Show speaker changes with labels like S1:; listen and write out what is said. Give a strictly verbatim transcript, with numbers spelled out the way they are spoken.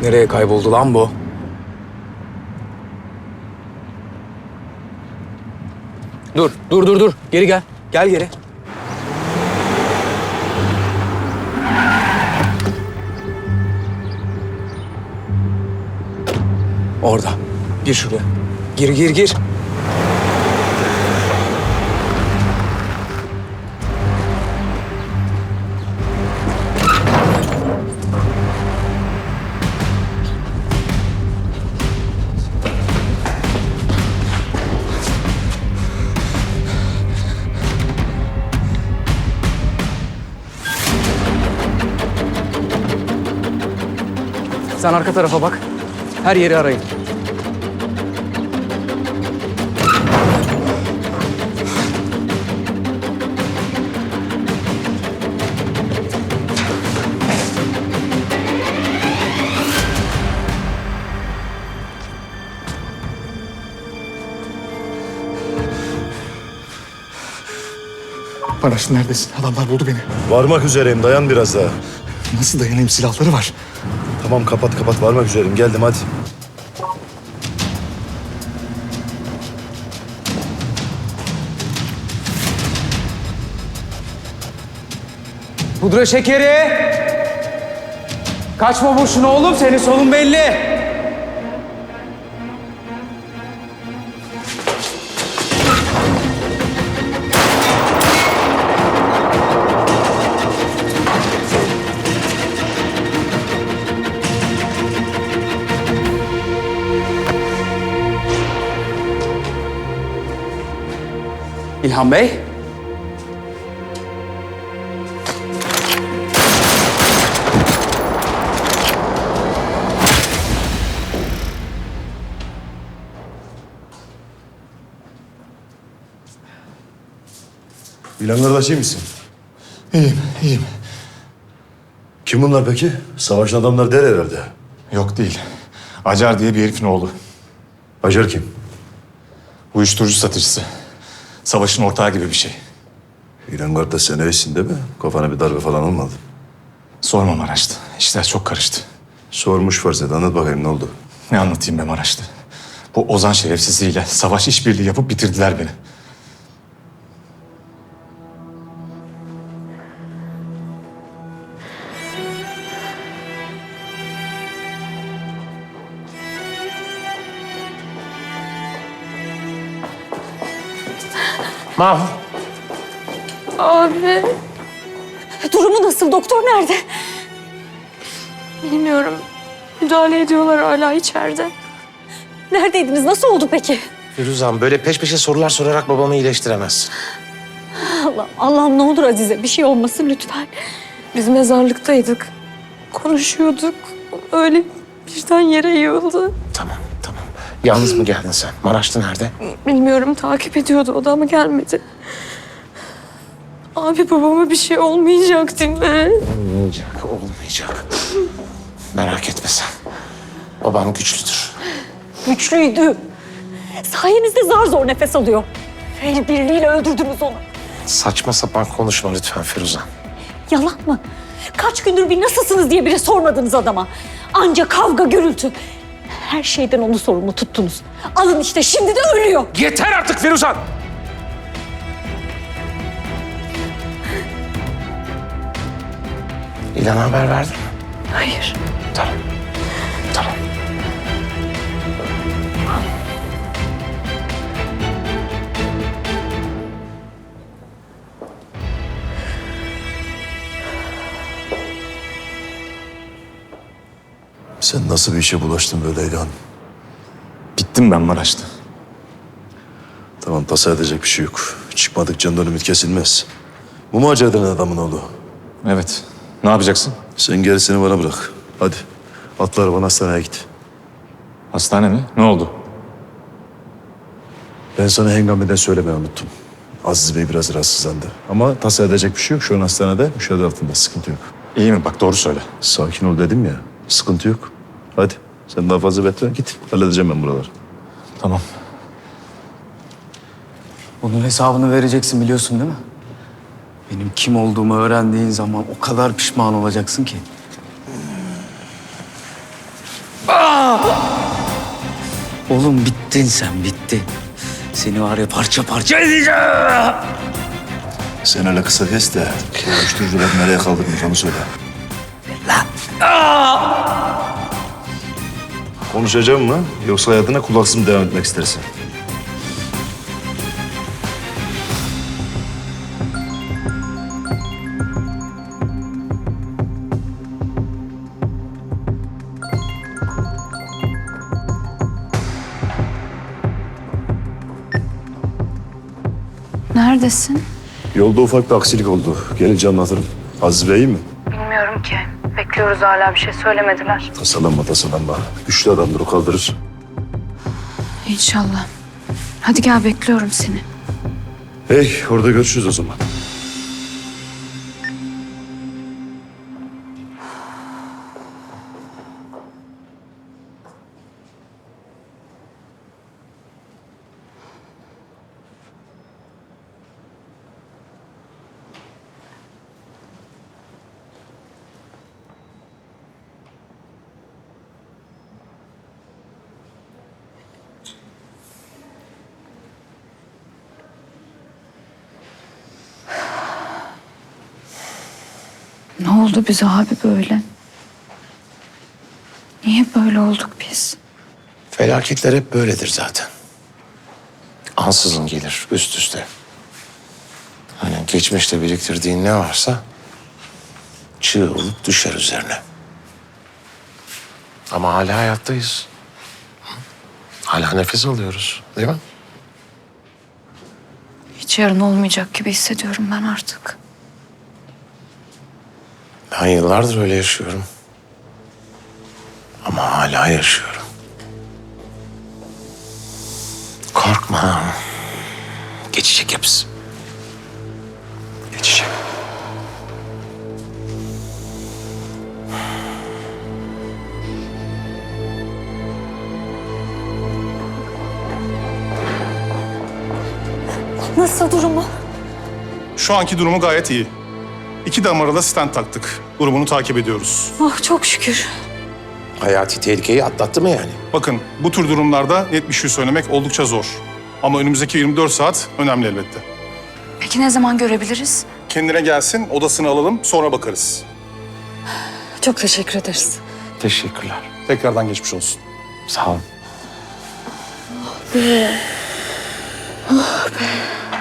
S1: Nereye kayboldu lan bu? Dur, dur, dur, dur. Geri gel. Gel geri. Orada. Gir şuraya. Gir, gir, gir. Sen arka tarafa bak. Her yeri arayın.
S2: Maraş neredesin? Adamlar buldu beni.
S3: Varmak üzereyim, dayan biraz daha.
S2: Nasıl dayanayım? Silahları var.
S3: Tamam, kapat kapat, varmak üzereyim. Geldim, hadi.
S1: Pudra şekeri! Kaçma boşuna oğlum, senin solun belli. İlhan Bey.
S3: İlhan kardeş, iyi misin?
S2: İyiyim, iyiyim.
S3: Kim bunlar peki? Savaşın adamları der herhalde.
S2: Yok değil. Acar diye bir herifin oğlu.
S3: Acar kim?
S2: Uyuşturucu satıcısı. Savaşın ortağı gibi bir şey.
S3: İlhan kardeş, sen iyisin değil mi? Kafana bir darbe falan olmadı.
S2: Sorma Maraş'tı. İşler çok karıştı.
S3: Sormuş farz et, anlat bakayım ne oldu?
S2: Ne anlatayım be Maraş'tı? Bu Ozan şerefsizliğiyle savaş işbirliği yapıp bitirdiler beni.
S4: Mahvur.
S5: Abi. Durumu nasıl? Doktor nerede? Bilmiyorum. Müdahale ediyorlar hala içeride. Neredeydiniz? Nasıl oldu peki?
S4: Firuzan, böyle peş peşe sorular sorarak babamı iyileştiremezsin.
S5: Allah'ım, Allah'ım ne olur Azize bir şey olmasın lütfen. Biz mezarlıktaydık. Konuşuyorduk. Öyle birden yere yığıldı.
S4: Tamam, tamam. Yalnız mı geldin sen? Maraşlı nerede?
S5: Bilmiyorum takip ediyordu o da ama gelmedi. Abi babama bir şey olmayacak değil mi?
S4: Olmayacak, olmayacak. Merak etme sen. Babam güçlüdür.
S5: Güçlüydü. Sayenizde zar zor nefes alıyor. El birliğiyle öldürdünüz onu.
S4: Saçma sapan konuşma lütfen Firuzan.
S5: Yalan mı? Kaç gündür bir nasılsınız diye bile sormadınız adama. Anca kavga gürültü. Her şeyden onu sorumlu tuttunuz. Alın işte şimdi de ölüyor.
S4: Yeter artık Firuzan! İlhan'a haber verdin mi?
S5: Hayır.
S4: Tamam, tamam.
S3: Sen nasıl bir işe bulaştın böyle İlhan?
S2: Bittim ben Maraş'ta.
S3: Tamam, tasa edecek bir şey yok. Çıkmadık candan ümit kesilmez. Bu mu Acar denen adamın oğlu?
S2: Evet. Ne yapacaksın?
S3: Sen gerisini bana bırak. Hadi, atla arabanı, hastaneye git.
S2: Hastane mi? Ne oldu?
S3: Ben sana hengameden söylemeyi unuttum. Aziz Bey biraz rahatsızlandı. Ama tasa edecek bir şey yok. Şu an hastanede, müşahede altında. Sıkıntı yok.
S2: İyi mi? Bak doğru söyle.
S3: Sakin ol dedim ya. Sıkıntı yok. Hadi, sen daha fazla bekle. Git, halledeceğim ben buraları.
S2: Tamam.
S1: Bunun hesabını vereceksin biliyorsun değil mi? Benim kim olduğumu öğrendiğin zaman o kadar pişman olacaksın ki. Oğlum bittin sen, bittin. Seni var ya parça parça edeceğim.
S3: Sen öyle kısa kes de uyuşturucular nereye kaldırmış onu söyle. Konuşacağım mı yoksa hayatına kulaksız mı devam etmek istersin?
S6: Neredesin?
S3: Yolda ufak bir aksilik oldu. Gelince anlatırım. Aziz Bey iyi mi?
S6: Bilmiyorum ki. Bekliyoruz hala bir şey söylemediler.
S3: Tasalanma tasalanma. Güçlü adamdır o kaldırır.
S6: İnşallah. Hadi gel bekliyorum seni.
S3: Hey orada görüşürüz o zaman.
S6: Ne oldu bize abi böyle? Niye böyle olduk biz?
S4: Felaketler hep böyledir zaten. Ansızın gelir üst üste. Hani geçmişte biriktirdiğin ne varsa çığ olup düşer üzerine. Ama hala hayattayız. Hala nefes alıyoruz, değil mi?
S6: Hiç yarın olmayacak gibi hissediyorum ben artık.
S4: Ben yıllardır öyle yaşıyorum. Ama hala yaşıyorum. Korkma. Geçecek hepsi. Geçecek.
S5: Nasıl durumu?
S7: Şu anki durumu gayet iyi. İki damara da stent taktık. Durumunu takip ediyoruz.
S5: Oh çok şükür.
S4: Hayati tehlikeyi atlattı mı yani?
S7: Bakın bu tür durumlarda net bir şey söylemek oldukça zor. Ama önümüzdeki yirmi dört saat önemli elbette.
S6: Peki ne zaman görebiliriz?
S7: Kendine gelsin, odasını alalım, sonra bakarız.
S5: Çok teşekkür ederiz.
S4: Teşekkürler.
S7: Tekrardan geçmiş olsun.
S4: Sağ olun.